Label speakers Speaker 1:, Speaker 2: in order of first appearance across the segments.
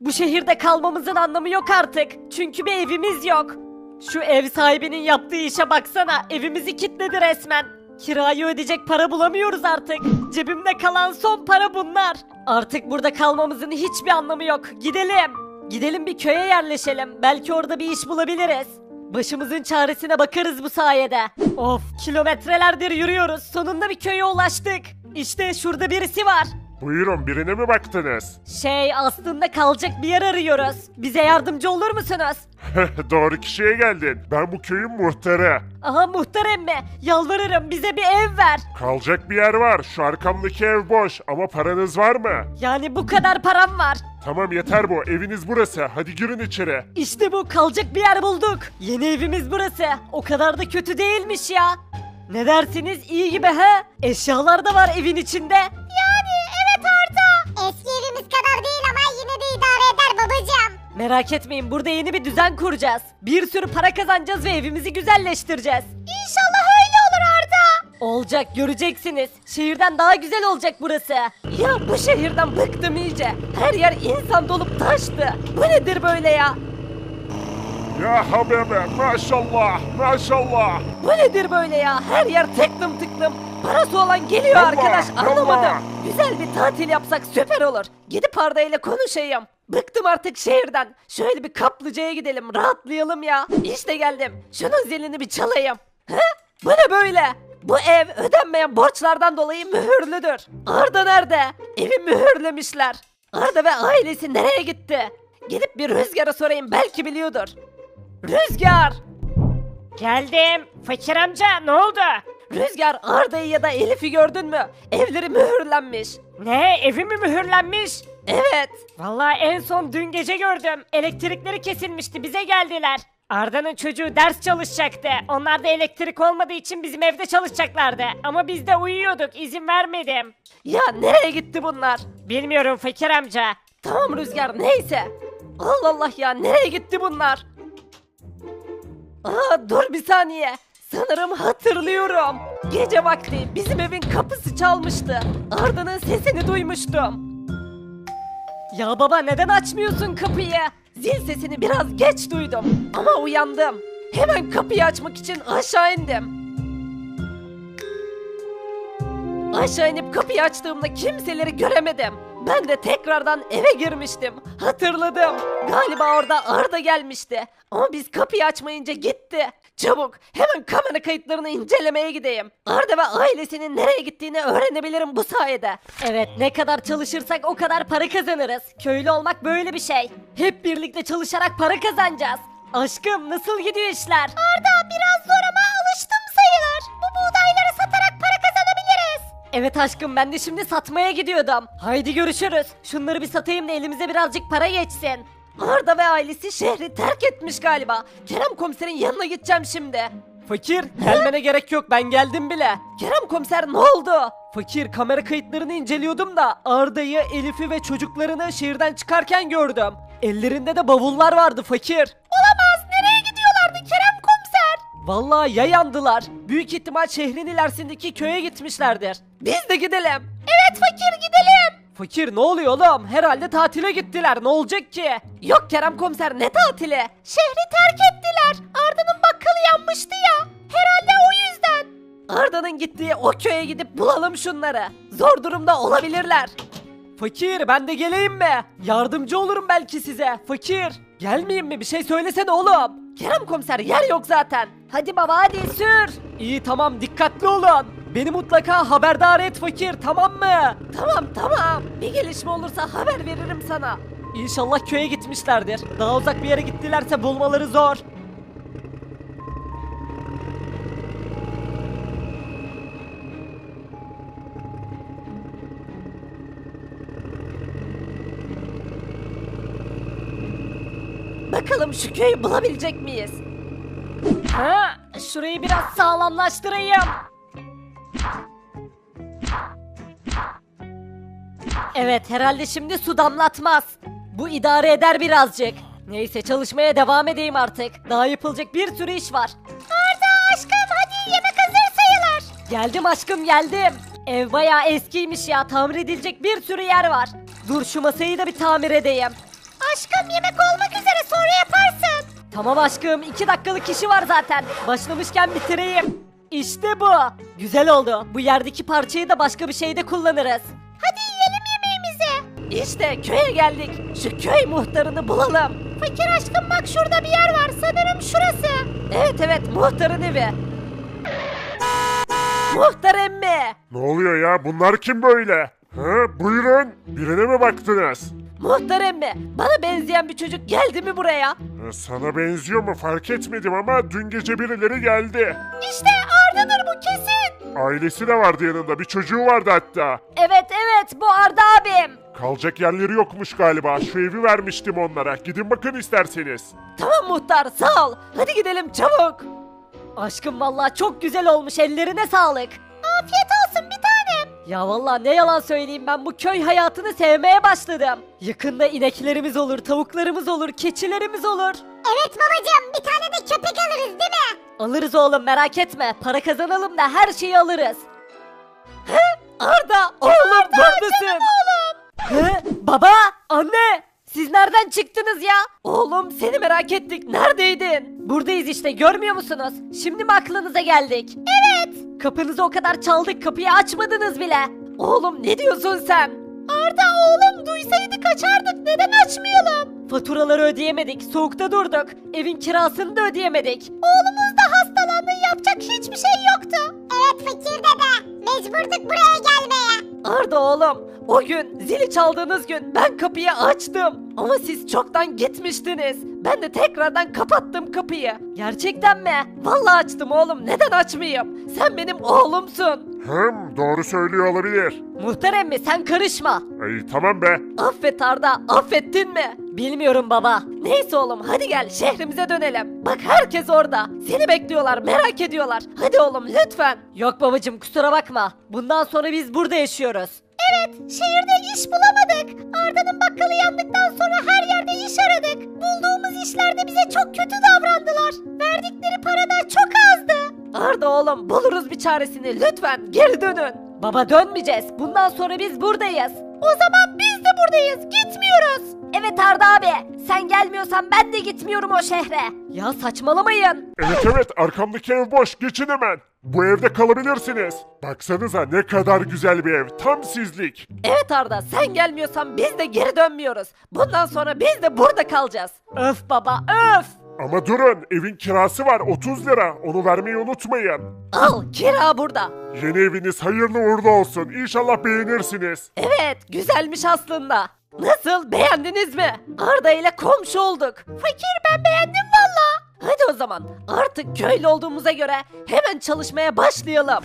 Speaker 1: Bu şehirde kalmamızın anlamı yok artık. Çünkü bir evimiz yok. Şu ev sahibinin yaptığı işe baksana. Evimizi kilitledi resmen. Kirayı ödeyecek para bulamıyoruz artık. Cebimde kalan son para bunlar. Artık burada kalmamızın hiçbir anlamı yok. Gidelim. Gidelim bir köye yerleşelim. Belki orada bir iş bulabiliriz. Başımızın çaresine bakarız bu sayede. Of, kilometrelerdir yürüyoruz. Sonunda bir köye ulaştık. İşte şurada birisi var.
Speaker 2: Buyurun, birine mi baktınız?
Speaker 1: Aslında kalacak bir yer arıyoruz. Bize yardımcı olur musunuz?
Speaker 2: Doğru kişiye geldin. Ben bu köyün muhtarı.
Speaker 1: Aha, muhtar emmi. Yalvarırım, bize bir ev ver.
Speaker 2: Kalacak bir yer var. Şu arkamdaki ev boş ama paranız var mı?
Speaker 1: Yani bu kadar param var.
Speaker 2: Tamam, yeter bu. Eviniz burası. Hadi girin içeri.
Speaker 1: İşte bu, kalacak bir yer bulduk. Yeni evimiz burası. O kadar da kötü değilmiş ya. Ne dersiniz, iyi gibi he? Eşyalar da var evin içinde.
Speaker 3: Yani evet Arda. Eski evimiz kadar değil ama yine de idare eder babacığım.
Speaker 1: Merak etmeyin, burada yeni bir düzen kuracağız. Bir sürü para kazanacağız ve evimizi güzelleştireceğiz.
Speaker 3: İnşallah öyle olur Arda.
Speaker 1: Olacak, göreceksiniz. Şehirden daha güzel olacak burası. Ya bu şehirden bıktım iyice. Her yer insan dolup taştı. Bu nedir böyle ya?
Speaker 2: Ya Habibe, maşallah, maşallah.
Speaker 1: Bu nedir böyle ya? Her yer tıklım tıklım. Parası olan geliyor
Speaker 2: Allah,
Speaker 1: arkadaş, anlamadım.
Speaker 2: Allah.
Speaker 1: Güzel bir tatil yapsak süper olur. Gidip Arda ile konuşayım. Bıktım artık şehirden. Şöyle bir kaplıcaya gidelim, rahatlayalım ya. İşte geldim. Şunun zilini bir çalayım. He? Bu ne böyle? Bu ev ödenmeyen borçlardan dolayı mühürlüdür. Arda nerede? Evi mühürlemişler. Arda ve ailesi nereye gitti? Gidip bir Rüzgar'a sorayım, belki biliyordur. Rüzgar! Geldim. Fakir amca, ne oldu? Rüzgar, Arda'yı ya da Elif'i gördün mü? Evleri mühürlenmiş. Ne? Evi mi mühürlenmiş? Evet. Vallahi en son dün gece gördüm. Elektrikleri kesilmişti, bize geldiler. Arda'nın çocuğu ders çalışacaktı. Onlar da elektrik olmadığı için bizim evde çalışacaklardı. Ama biz de uyuyorduk, izin vermedim. Ya nereye gitti bunlar? Bilmiyorum Fakir amca. Tamam Rüzgar, neyse. Allah Allah ya, nereye gitti bunlar? Aa, dur bir saniye. Sanırım hatırlıyorum. Gece vakti bizim evin kapısı çalmıştı. Arda'nın sesini duymuştum. Ya baba, neden açmıyorsun kapıyı? Zil sesini biraz geç duydum ama uyandım. Hemen kapıyı açmak için aşağı indim. Aşağı inip kapıyı açtığımda kimseleri göremedim. Ben de tekrardan eve girmiştim. Hatırladım. Galiba orada Arda gelmişti. Ama biz kapıyı açmayınca gitti. Çabuk hemen kamera kayıtlarını incelemeye gideyim. Arda ve ailesinin nereye gittiğini öğrenebilirim bu sayede. Evet, ne kadar çalışırsak o kadar para kazanırız. Köylü olmak böyle bir şey. Hep birlikte çalışarak para kazanacağız. Aşkım, nasıl gidiyor işler?
Speaker 3: Arda biraz zor ama alıştım sayılır. Bu buğdayları satarak para kazanabiliriz.
Speaker 1: Evet aşkım, ben de şimdi satmaya gidiyordum. Haydi görüşürüz. Şunları bir satayım da elimize birazcık para geçsin. Arda ve ailesi şehri terk etmiş galiba. Kerem komiserin yanına gideceğim şimdi. Fakir, gelmene gerek yok, ben geldim bile. Kerem komiser, ne oldu? Fakir, kamera kayıtlarını inceliyordum da Arda'yı, Elif'i ve çocuklarını şehirden çıkarken gördüm. Ellerinde de bavullar vardı fakir.
Speaker 3: Olamaz, nereye gidiyorlardı Kerem komiser?
Speaker 1: Vallahi ya yandılar. Büyük ihtimal şehrin ilerisindeki köye gitmişlerdir. Biz de gidelim.
Speaker 3: Evet fakir, gidelim.
Speaker 1: Fakir, ne oluyor oğlum? Herhalde tatile gittiler. Ne olacak ki? Yok Kerem komiser, ne tatili?
Speaker 3: Şehri terk ettiler. Arda'nın bakkalı yanmıştı ya. Herhalde o yüzden.
Speaker 1: Arda'nın gittiği o köye gidip bulalım şunları. Zor durumda olabilirler. Fakir, ben de geleyim mi? Yardımcı olurum belki size. Fakir, gelmeyeyim mi? Bir şey söylesene oğlum. Kerem komiser, yer yok zaten. Hadi baba, hadi sür. İyi, tamam, dikkatli olun. Beni mutlaka haberdar et fakir, tamam mı? Tamam. Bir gelişme olursa haber veririm sana. İnşallah köye gitmişlerdir. Daha uzak bir yere gittilerse bulmaları zor. Bakalım şu köyü bulabilecek miyiz? Ha, şurayı biraz sağlamlaştırayım. Evet, herhalde şimdi su damlatmaz. Bu idare eder birazcık. Neyse, çalışmaya devam edeyim artık. Daha yapılacak bir sürü iş var.
Speaker 3: Arda aşkım, hadi yemek hazır sayılır.
Speaker 1: Geldim aşkım, geldim. Ev bayağı eskiymiş ya, tamir edilecek bir sürü yer var. Dur şu masayı da bir tamir edeyim.
Speaker 3: aşkım yemek olmak üzere sonra yaparsın.
Speaker 1: Tamam aşkım 2 dakikalık işi var zaten. Başlamışken bitireyim. İşte bu. Güzel oldu. Bu yerdeki parçayı da başka bir şeyde kullanırız.
Speaker 3: Hadi yiyelim yemeğimizi.
Speaker 1: İşte köye geldik. Şu köy muhtarını bulalım.
Speaker 3: Fakir aşkım bak şurada bir yer var sanırım şurası.
Speaker 1: Evet muhtarın evi. Muhtar emmi.
Speaker 2: Ne oluyor ya? Bunlar kim böyle? Ha, buyurun. Birine mi baktınız?
Speaker 1: Muhtar emmi. Bana benzeyen bir çocuk geldi mi buraya?
Speaker 2: Ha, sana benziyor mu fark etmedim ama dün gece birileri geldi.
Speaker 3: İşte Arda'dır bu kesin.
Speaker 2: Ailesi de vardı yanında. Bir çocuğu vardı hatta.
Speaker 1: Evet bu Arda abim.
Speaker 2: Kalacak yerleri yokmuş galiba. Şu evi vermiştim onlara. Gidin bakın isterseniz.
Speaker 1: Tamam muhtar sağ ol. Hadi gidelim çabuk. Aşkım vallahi çok güzel olmuş ellerine sağlık.
Speaker 3: Afiyet olsun bir tanem.
Speaker 1: Ya vallahi ne yalan söyleyeyim ben bu köy hayatını sevmeye başladım. Yakında ineklerimiz olur, tavuklarımız olur, keçilerimiz olur.
Speaker 3: Evet babacığım bir tane de köpek alırız değil mi?
Speaker 1: Alırız oğlum merak etme. Para kazanalım da her şeyi alırız. He? Arda oğlum buradasın. He? Baba, anne. Siz nereden çıktınız ya? Oğlum seni merak ettik. Neredeydin? Buradayız işte görmüyor musunuz? Şimdi mi aklınıza geldik? Evet. Kapınızı o kadar çaldık kapıyı açmadınız bile. Oğlum ne diyorsun sen?
Speaker 3: Arda oğlum duysaydı kaçardık neden açmayalım?
Speaker 1: Faturaları ödeyemedik, soğukta durduk. Evin kirasını da ödeyemedik.
Speaker 3: Oğlumuz da hastalandı yapacak hiçbir şey yoktu. Evet fakir dede mecburduk buraya gelmeye.
Speaker 1: Arda oğlum, o gün zili çaldığınız gün ben kapıyı açtım. Ama siz çoktan gitmiştiniz. Ben de tekrardan kapattım kapıyı. Gerçekten mi? Vallahi açtım oğlum. Neden açmayayım? Sen benim oğlumsun.
Speaker 2: Doğru söylüyor olabilir.
Speaker 1: Muhtar emmi sen karışma.
Speaker 2: Ay tamam be.
Speaker 1: Affet Arda, affettin mi? Bilmiyorum baba. Neyse oğlum hadi gel şehrimize dönelim. Bak herkes orada. Seni bekliyorlar, merak ediyorlar. Hadi oğlum lütfen. Yok babacım kusura bakma. Bundan sonra biz burada yaşıyoruz.
Speaker 3: Evet şehirde iş bulamadık. Arda'nın bakkalı yandıktan sonra her yerde iş aradık. Bulduğumuz işlerde bize çok kötü davrandılar. Verdikleri para da çok azdı.
Speaker 1: Arda oğlum buluruz bir çaresini lütfen geri dönün. Baba dönmeyeceğiz. Bundan sonra biz buradayız.
Speaker 3: O zaman biz de buradayız gitmiyoruz.
Speaker 1: Evet Arda abi sen gelmiyorsan ben de gitmiyorum o şehre. Ya saçmalamayın.
Speaker 2: Evet arkamdaki ev boş. Geçin hemen. Bu evde kalabilirsiniz. Baksanıza ne kadar güzel bir ev. Tam sizlik.
Speaker 1: Evet Arda sen gelmiyorsan biz de geri dönmüyoruz. Bundan sonra biz de burada kalacağız. Öf baba öf.
Speaker 2: Ama durun evin kirası var 30 lira. Onu vermeyi unutmayın.
Speaker 1: Al kira burada.
Speaker 2: Yeni eviniz hayırlı uğurlu olsun. İnşallah beğenirsiniz.
Speaker 1: Evet güzelmiş aslında. Nasıl beğendiniz mi? Arda ile komşu olduk.
Speaker 3: Fakir ben beğendim valla.
Speaker 1: Hadi o zaman artık köylü olduğumuza göre hemen çalışmaya başlayalım.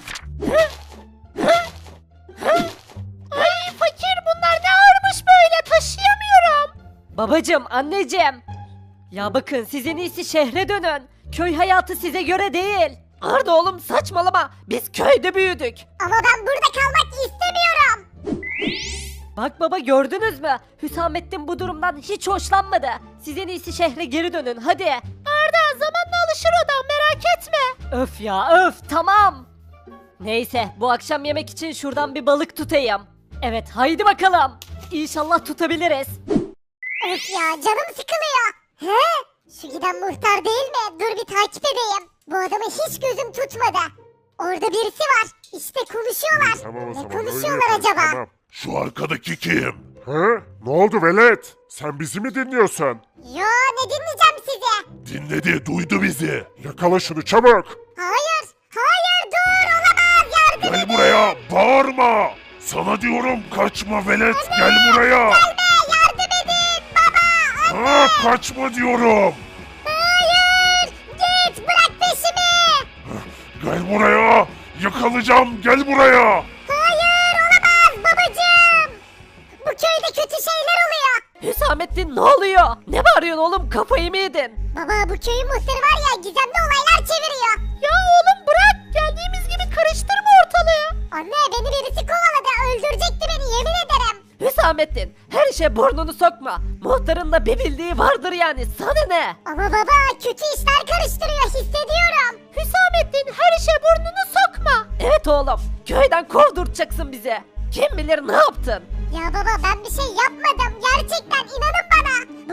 Speaker 3: Ay fakir bunlar ne ağırmış böyle taşıyamıyorum.
Speaker 1: Babacım, anneciğim. Ya bakın siz en iyisi şehre dönün. Köy hayatı size göre değil. Arda oğlum saçmalama. Biz köyde büyüdük.
Speaker 3: Ama ben burada kalmak istemiyorum.
Speaker 1: Bak baba gördünüz mü? Hüsamettin bu durumdan hiç hoşlanmadı. Siz en iyisi şehre geri dönün hadi.
Speaker 3: Arda zamanla alışır o da merak etme.
Speaker 1: Öf ya öf tamam. Neyse bu akşam yemek için şuradan bir balık tutayım. Evet haydi bakalım. İnşallah tutabiliriz.
Speaker 3: Öf ya canım sıkılıyor. He? Şu giden muhtar değil mi? Dur bir takip edeyim. Bu adamı hiç gözüm tutmadı. Orada birisi var. İşte konuşuyorlar.
Speaker 2: Tamam o
Speaker 3: Ne
Speaker 2: zaman.
Speaker 3: konuşuyorlar
Speaker 2: öyle
Speaker 3: acaba?
Speaker 2: yaparız, Tamam. Şu arkadaki kim? Hı? Ne oldu velet? Sen bizi mi dinliyorsun?
Speaker 3: Yo ne dinleyeceğim sizi?
Speaker 2: Dinledi, duydu bizi. Yakala şunu çabuk.
Speaker 3: Hayır. Hayır dur olamaz yardım
Speaker 2: Gel
Speaker 3: edin.
Speaker 2: buraya, bağırma. Sana diyorum kaçma velet, gel buraya.
Speaker 3: Yardım edin baba.
Speaker 2: Ha, kaçma diyorum.
Speaker 3: Hayır. Git bırak peşimi.
Speaker 2: Gel buraya. Yakalayacağım, gel buraya.
Speaker 3: Hayır olamaz babacığım. Bu köyde kötü şeyler oluyor.
Speaker 1: Hüsamettin ne oluyor? Ne bağırıyorsun oğlum kafayı mı yedin?
Speaker 3: Baba bu köyün muhtarı var ya gizemli olaylar çeviriyor. Ya oğlum bırak geldiğimiz gibi karıştırma ortalığı. Anne beni birisi kovaladı öldürecekti beni yemin ederim.
Speaker 1: Hüsamettin her işe burnunu sokma. Muhtarın da bir bildiği vardır yani sana ne?
Speaker 3: Ama baba kötü işler karıştırıyor hissediyorum. Hüsamettin her işe burnunu sokma.
Speaker 1: Evet oğlum köyden kovdurtacaksın bizi. Kim bilir ne yaptın?
Speaker 3: Ya baba ben bir şey yapmadım gerçekten inanın bana. Bu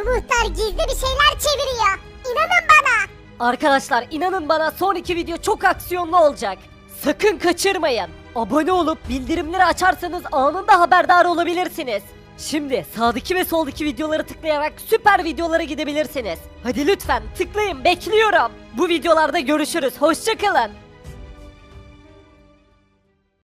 Speaker 3: bunlar gizli bir şeyler çeviriyor. İnanın bana.
Speaker 1: Arkadaşlar inanın bana son 2 video çok aksiyonlu olacak. Sakın kaçırmayın. Abone olup bildirimleri açarsanız anında haberdar olabilirsiniz. Şimdi sağdaki ve soldaki videoları tıklayarak süper videolara gidebilirsiniz. Hadi lütfen tıklayın, bekliyorum. Bu videolarda görüşürüz. Hoşça kalın.